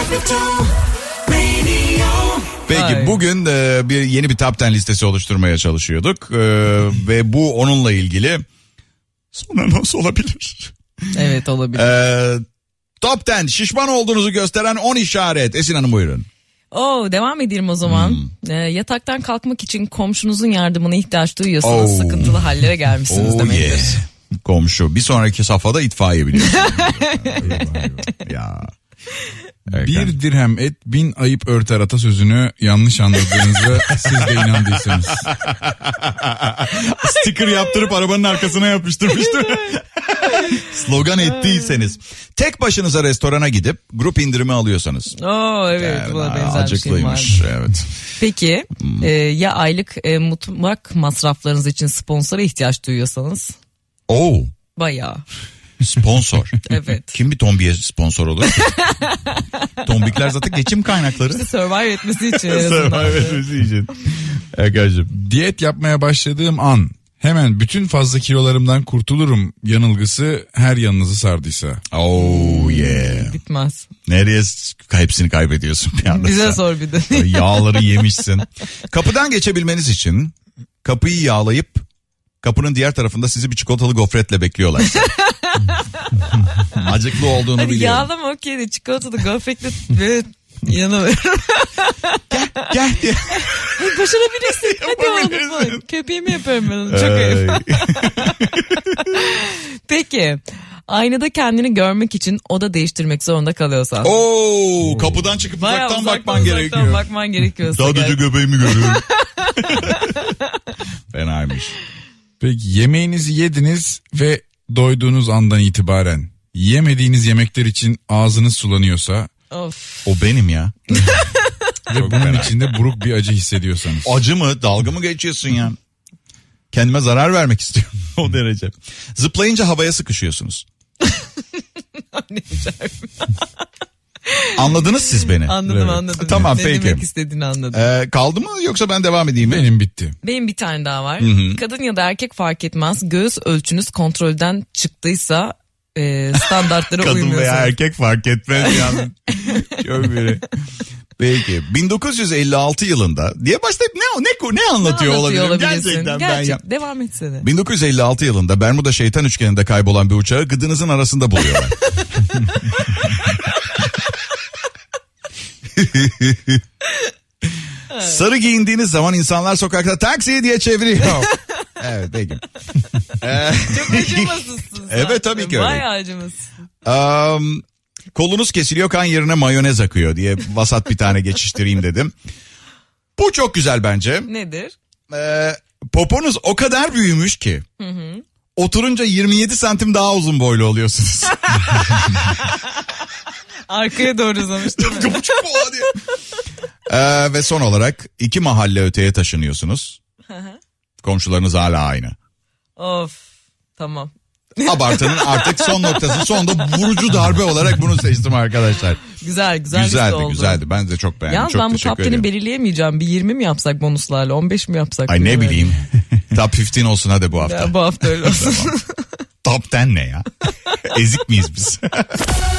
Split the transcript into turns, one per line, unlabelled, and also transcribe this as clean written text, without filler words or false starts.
Peki
Ay.
bugün yeni bir top 10 listesi oluşturmaya çalışıyorduk ve bu onunla ilgili sonra nasıl olabilir?
Evet, olabilir.
Top 10 şişman olduğunuzu gösteren 10 işaret. Esin Hanım buyurun.
Devam edelim o zaman. Yataktan kalkmak için komşunuzun yardımına ihtiyaç duyuyorsanız sıkıntılı hallere gelmişsiniz demektir.
Yeah. Komşu. Bir sonraki safhada itfaiye biliyorsun. Ya.
Bir dirhem et 1000 ayıp örter atasözünü yanlış anladığınızı siz de inandıysanız.
Sticker yaptırıp arabanın arkasına yapıştırmıştım. Slogan ettiyseniz. Tek başınıza restorana gidip grup indirimi alıyorsanız.
Evet, buna benzer bir şey var.
Acıklıymış, evet.
Peki ya aylık mutfak masraflarınız için sponsora ihtiyaç duyuyorsanız? Bayağı.
Sponsor.
Evet.
Kim bir tombiye sponsor olur? Tombikler zaten geçim kaynakları.
İşte survive etmesi için. Survive
etmesi için. Arkadaşım.
Diyet yapmaya başladığım an hemen bütün fazla kilolarımdan kurtulurum yanılgısı her yanınızı sardıysa.
Yeah.
Bitmez.
Nereye hepsini kaybediyorsun bir anda?
Bize sor bir de.
Yağları yemişsin. Kapıdan geçebilmeniz için kapıyı yağlayıp kapının diğer tarafında sizi bir çikolatalı gofretle bekliyorlar. Acıklı olduğunu
Hani
biliyorum.
yağlama okey de çikolatalı gofretle böyle yanılıyorum.
Gel diye.
Başarabilirsin. Hadi oğlum bak. Köpeğimi yaparım ben onu. Çok ayıp. Peki. Aynada kendini görmek için oda değiştirmek zorunda kalıyorsan.
Kapıdan çıkıp uzaktan bakman gerekiyor.
Sadece
göbeğimi görüyorum. Fenaymış.
Peki yemeğinizi yediniz ve doyduğunuz andan itibaren yemediğiniz yemekler için ağzınız sulanıyorsa.
Of.
O benim ya.
Ve bunun içinde buruk bir acı hissediyorsanız.
Acı mı? Dalga mı geçiyorsun ya? Kendime zarar vermek istiyorum o derece. Zıplayınca havaya sıkışıyorsunuz.
Ne güzel.
Anladınız siz beni.
Anladım.
Tamam,
ne
peki.
Ne demek istediğini anladım.
Kaldı mı yoksa ben devam edeyim mi?
Benim bitti.
Benim bir tane daha var. Kadın ya da erkek fark etmez. Göğüs ölçünüz kontrolden çıktıysa standartlara
Kadın
uymuyorsunuz.
veya erkek fark etmez yani. Çok biri. Peki 1956 yılında diye başlayıp ne anlatıyor olabilirim gerçekten ben ya.
Devam etsene.
1956 yılında Bermuda Şeytan Üçgeni'nde kaybolan bir uçağı gıdınızın arasında buluyorlar. Sarı giyindiğiniz zaman insanlar sokakta taksi diye çeviriyor. Evet peki.
Çok acımasızsın sen.
Evet tabii ki öyle.
Bayağı acımasızsın.
Kolunuz kesiliyor, kan yerine mayonez akıyor diye vasat bir tane geçiştireyim dedim. Bu çok güzel bence.
Nedir?
Poponuz o kadar büyümüş ki. Oturunca 27 santim daha uzun boylu oluyorsunuz.
Arkaya doğru uzamış değil mi?
Ve son olarak 2 mahalle öteye taşınıyorsunuz. Komşularınız hala aynı.
Of, tamam.
Abartının artık son noktası, sonunda vurucu darbe olarak bunu seçtim arkadaşlar. Güzeldi. Ben de çok beğendim.
Yalnız
çok
ben bu top 10'i belirleyemeyeceğim. Bir 20 mi yapsak bonuslarla, 15 mi yapsak?
Ay ne bileyim. Top 15 olsun hadi bu hafta.
Ya, bu hafta öyle olsun.
Top 10 ne ya? Ezik miyiz biz?